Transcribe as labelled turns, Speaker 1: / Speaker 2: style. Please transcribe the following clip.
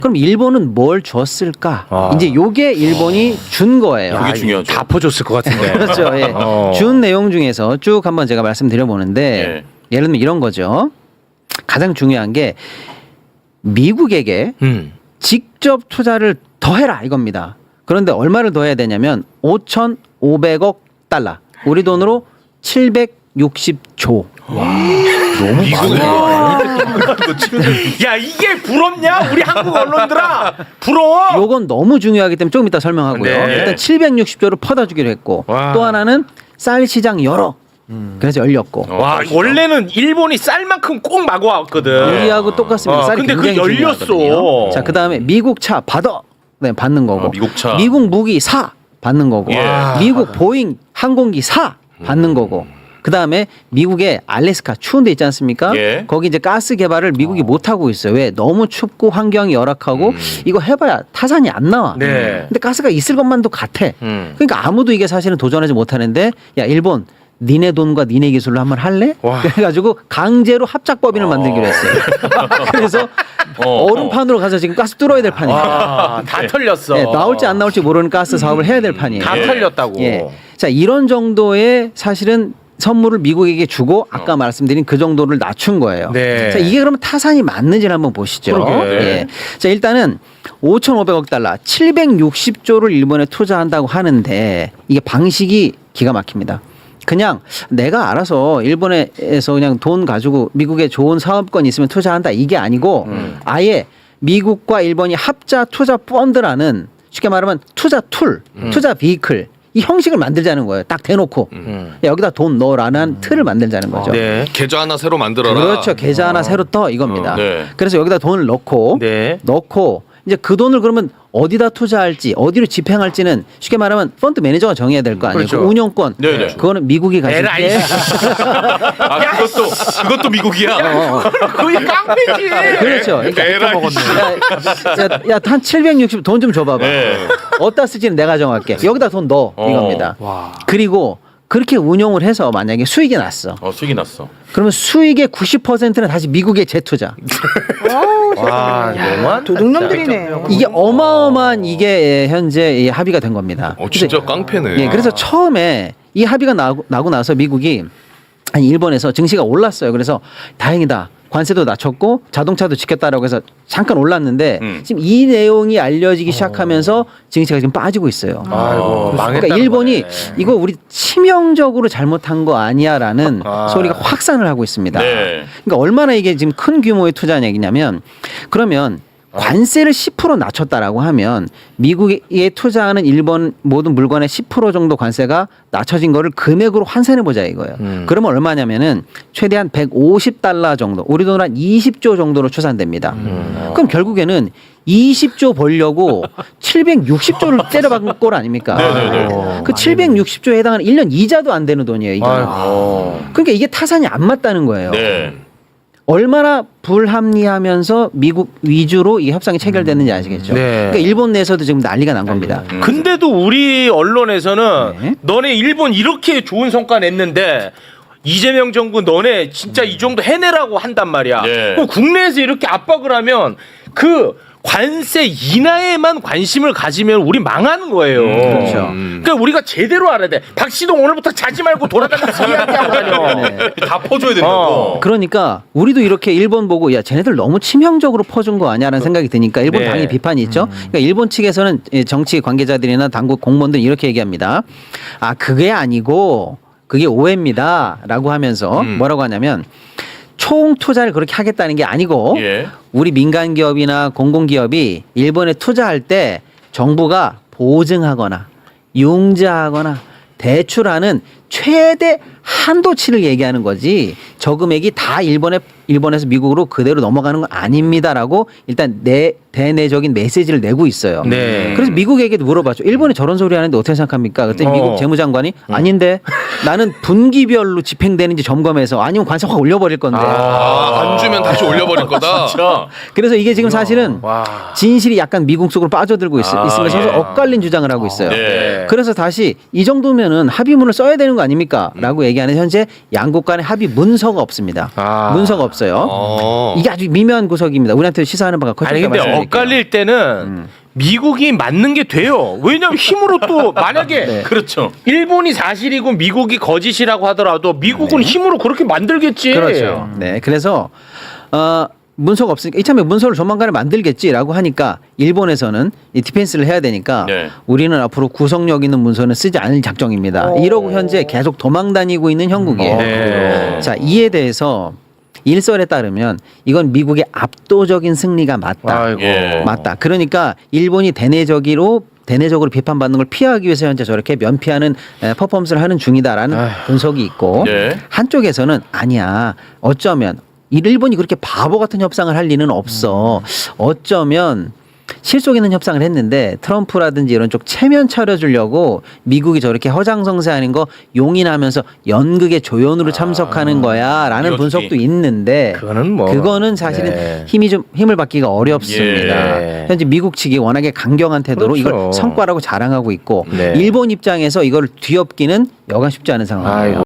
Speaker 1: 그럼 일본은 뭘 줬을까? 이제 요게 일본이 준 거예요.
Speaker 2: 그게 중요하죠.
Speaker 3: 다 퍼줬을 것 같은데.
Speaker 1: 그렇죠. 예. 준 내용 중에서 쭉 한번 제가 말씀드려보는데 예를 들면 이런 거죠. 가장 중요한 게 미국에게 직접 투자를 더해라 이겁니다. 그런데 얼마를 더해야 되냐면 5,500억 달러. 우리 돈으로 760조.
Speaker 2: 너무
Speaker 3: 야 이게 부럽냐? 우리 한국 언론들아 부러워.
Speaker 1: 요건 너무 중요하기 때문에 조금 이따 설명하고요.
Speaker 3: 네.
Speaker 1: 일단 760조를 퍼다 주기로 했고
Speaker 3: 와.
Speaker 1: 또 하나는 쌀 시장 열어. 그래서 열렸고
Speaker 3: 와 원래는 일본이 쌀만큼 꼭 마구 왔거든.
Speaker 1: 우리하고 똑같습니다. 쌀이
Speaker 3: 근데
Speaker 1: 굉장히
Speaker 3: 그게 열렸어.
Speaker 1: 중요하거든요. 자, 그다음에 미국 차 받아. 네, 받는 거고.
Speaker 2: 미국 차.
Speaker 1: 미국 무기 사 받는 거고.
Speaker 2: 예.
Speaker 1: 미국 보잉 항공기 사 받는 거고. 그다음에 미국의 알래스카 추운 데 있지 않습니까?
Speaker 2: 예.
Speaker 1: 거기 이제 가스 개발을 미국이 못 하고 있어요. 왜? 너무 춥고 환경이 열악하고 이거 해봐야 타산이 안 나와.
Speaker 3: 네.
Speaker 1: 근데 가스가 있을 것만도 같아. 그러니까 아무도 이게 사실은 도전하지 못하는데 야 일본 니네 돈과 니네 기술로 한번 할래?
Speaker 3: 와.
Speaker 1: 그래가지고 강제로 합작법인을 만들기로 했어요. 그래서 얼음판으로 가서 지금 가스 뚫어야 될 판이에요.
Speaker 3: 다 털렸어.
Speaker 1: 네, 나올지 안 나올지 모르는 가스 사업을 해야 될 판이에요.
Speaker 3: 다 털렸다고.
Speaker 1: 예. 자 이런 정도의 사실은 선물을 미국에게 주고 아까 말씀드린 그 정도를 낮춘 거예요.
Speaker 3: 네.
Speaker 1: 자 이게 그러면 타산이 맞는지를 한번 보시죠.
Speaker 3: 그러게.
Speaker 1: 예. 자 일단은 5,500억 달러, 760조를 일본에 투자한다고 하는데 이게 방식이 기가 막힙니다. 그냥 내가 알아서 일본에서 그냥 돈 가지고 미국에 좋은 사업권 있으면 투자한다 이게 아니고 아예 미국과 일본이 합자 투자 펀드라는 쉽게 말하면 투자 툴, 투자 비클 이 형식을 만들자는 거예요. 딱 대놓고 야, 여기다 돈 넣으라는 틀을 만들자는 거죠.
Speaker 3: 네.
Speaker 4: 계좌 하나 새로 만들어라.
Speaker 1: 그렇죠. 계좌 하나 새로 떠 이겁니다.
Speaker 2: 네.
Speaker 1: 그래서 여기다 돈을 넣고
Speaker 3: 네.
Speaker 1: 이제 그 돈을 그러면 어디다 투자할지 어디로 집행할지는 쉽게 말하면 펀드 매니저가 정해야 될 거 아니에요.
Speaker 3: 그렇죠.
Speaker 1: 그 운영권
Speaker 2: 네네.
Speaker 1: 그거는 미국이 가질
Speaker 3: 에라이.
Speaker 1: 때
Speaker 2: 아 그것도 미국이야.
Speaker 3: 거의 깡패지.
Speaker 1: 그렇죠. 그러니까 야한 760 돈 좀 줘봐봐.
Speaker 2: 네.
Speaker 1: 어디다 쓸지는 내가 정할게. 여기다 돈 넣어 이겁니다. 그리고 그렇게 운용을 해서 만약에 수익이 났어.
Speaker 2: 수익이 났어.
Speaker 1: 그러면 수익의 90%는 다시 미국에 재투자.
Speaker 3: 와 너무한
Speaker 5: 도둑놈들이네.
Speaker 1: 이게 어마어마한 이게 현재 이 합의가 된 겁니다.
Speaker 4: 진짜 깡패네.
Speaker 1: 예, 그래서 처음에 이 합의가 나고 나서 미국이 아니 일본에서 증시가 올랐어요. 그래서 다행이다. 관세도 낮췄고 자동차도 지켰다라고 해서 잠깐 올랐는데 지금 이 내용이 알려지기 시작하면서 증시가 지금 빠지고 있어요.
Speaker 3: 아이고 망했다.
Speaker 1: 그러니까 일본이 이거 우리 치명적으로 잘못한 거 아니야라는 소리가 확산을 하고 있습니다.
Speaker 2: 네.
Speaker 1: 그러니까 얼마나 이게 지금 큰 규모의 투자 얘기냐면 그러면 관세를 10% 낮췄다라고 하면 미국에 투자하는 일본 모든 물건의 10% 정도 관세가 낮춰진 거를 금액으로 환산해 보자 이거예요. 그러면 얼마냐면은 최대한 150달러 정도, 우리 돈으로 한 20조 정도로 추산됩니다. 그럼 결국에는 20조 벌려고 760조를 때려박은 꼴 아닙니까? 그 760조에 해당하는 1년 이자도 안 되는 돈이에요. 이게. 그러니까 이게 타산이 안 맞다는 거예요.
Speaker 2: 네.
Speaker 1: 얼마나 불합리하면서 미국 위주로 이 협상이 체결됐는지 아시겠죠?
Speaker 3: 네.
Speaker 1: 그러니까 일본 내에서도 지금 난리가 난 겁니다.
Speaker 3: 근데도 우리 언론에서는
Speaker 1: 네.
Speaker 3: 너네 일본 이렇게 좋은 성과 냈는데 이재명 정부 너네 진짜 이 정도 해내라고 한단 말이야.
Speaker 2: 네.
Speaker 3: 그럼 국내에서 이렇게 압박을 하면 그 관세 인하에만 관심을 가지면 우리 망하는 거예요.
Speaker 1: 그렇죠.
Speaker 3: 그러니까 우리가 제대로 알아야 돼. 박시동 오늘부터 자지 말고 돌아다니면서 이야기하고 다녀.
Speaker 1: 네.
Speaker 2: 다 퍼줘야 된다고.
Speaker 1: 그러니까 우리도 이렇게 일본 보고 야 쟤네들 너무 치명적으로 퍼준 거 아니야라는 생각이 드니까 일본
Speaker 3: 네.
Speaker 1: 당연히 비판이 있죠. 그러니까 일본 측에서는 정치 관계자들이나 당국 공무원들 이렇게 얘기합니다. 아 그게 아니고 그게 오해입니다라고 하면서 뭐라고 하냐면 총 투자를 그렇게 하겠다는 게 아니고
Speaker 2: 예.
Speaker 1: 우리 민간 기업이나 공공기업이 일본에 투자할 때 정부가 보증하거나 융자하거나 대출하는 최대 한도치를 얘기하는 거지 저 금액이 다 일본에서 미국으로 그대로 넘어가는 건 아닙니다라고 일단 대내적인 메시지를 내고 있어요.
Speaker 3: 네.
Speaker 1: 그래서 미국에게도 물어봤죠. 일본이 저런 소리 하는데 어떻게 생각합니까? 그랬더니 미국 재무장관이 아닌데 나는 분기별로 집행되는지 점검해서 아니면 관세 확 올려버릴 건데.
Speaker 4: 안 주면 다시 올려버릴 거다.
Speaker 1: 그래서 이게 지금 사실은 진실이 약간 미국 속으로 빠져들고 있으면서
Speaker 2: 예.
Speaker 1: 엇갈린 주장을 하고 있어요.
Speaker 2: 네.
Speaker 1: 그래서 다시 이 정도면은 합의문을 써야 되는 거 아닙니까? 라고 얘기하는 현재 양국 간의 합의 문서가 없습니다. 문서가 없어요. 이게 아주 미묘한 구석입니다. 우리한테 시사하는 바가 커질
Speaker 3: 아니
Speaker 1: 까
Speaker 3: 근데
Speaker 1: 말씀드리죠. 말씀드릴게요.
Speaker 3: 엇갈릴 때는 미국이 맞는 게 돼요. 왜냐면 힘으로 또 만약에
Speaker 1: 네.
Speaker 2: 그렇죠.
Speaker 3: 일본이 사실이고 미국이 거짓이라고 하더라도 미국은 힘으로 그렇게 만들겠지.
Speaker 1: 그렇죠. 네, 그래서 문서가 없으니까 이참에 문서를 조만간에 만들겠지라고 하니까 일본에서는 이 디펜스를 해야 되니까
Speaker 2: 네.
Speaker 1: 우리는 앞으로 구속력 있는 문서는 쓰지 않을 작정입니다. 이러고 현재 계속 도망 다니고 있는 형국이에요.
Speaker 3: 네.
Speaker 1: 자, 이에 대해서 일설에 따르면 이건 미국의 압도적인 승리가 맞다.
Speaker 3: 아이고.
Speaker 2: 예.
Speaker 1: 맞다. 그러니까 일본이 대내적으로 비판받는 걸 피하기 위해서 현재 저렇게 면피하는 퍼포먼스를 하는 중이다라는 분석이 있고
Speaker 2: 네.
Speaker 1: 한쪽에서는 아니야. 어쩌면 일본이 그렇게 바보 같은 협상을 할 리는 없어. 어쩌면 실속 있는 협상을 했는데 트럼프라든지 이런 쪽 체면 차려주려고 미국이 저렇게 허장성세하는 거 용인하면서 연극의 조연으로 참석하는 거야라는
Speaker 2: 이어주기.
Speaker 1: 분석도 있는데
Speaker 3: 그거는
Speaker 1: 사실은
Speaker 3: 네.
Speaker 1: 힘을 받기가 어렵습니다.
Speaker 3: 예.
Speaker 1: 현재 미국 측이 워낙에 강경한 태도로
Speaker 3: 그렇죠.
Speaker 1: 이걸 성과라고 자랑하고 있고
Speaker 3: 네.
Speaker 1: 일본 입장에서 이걸 뒤엎기는 여간 쉽지 않은 상황이에요.
Speaker 3: 아이고.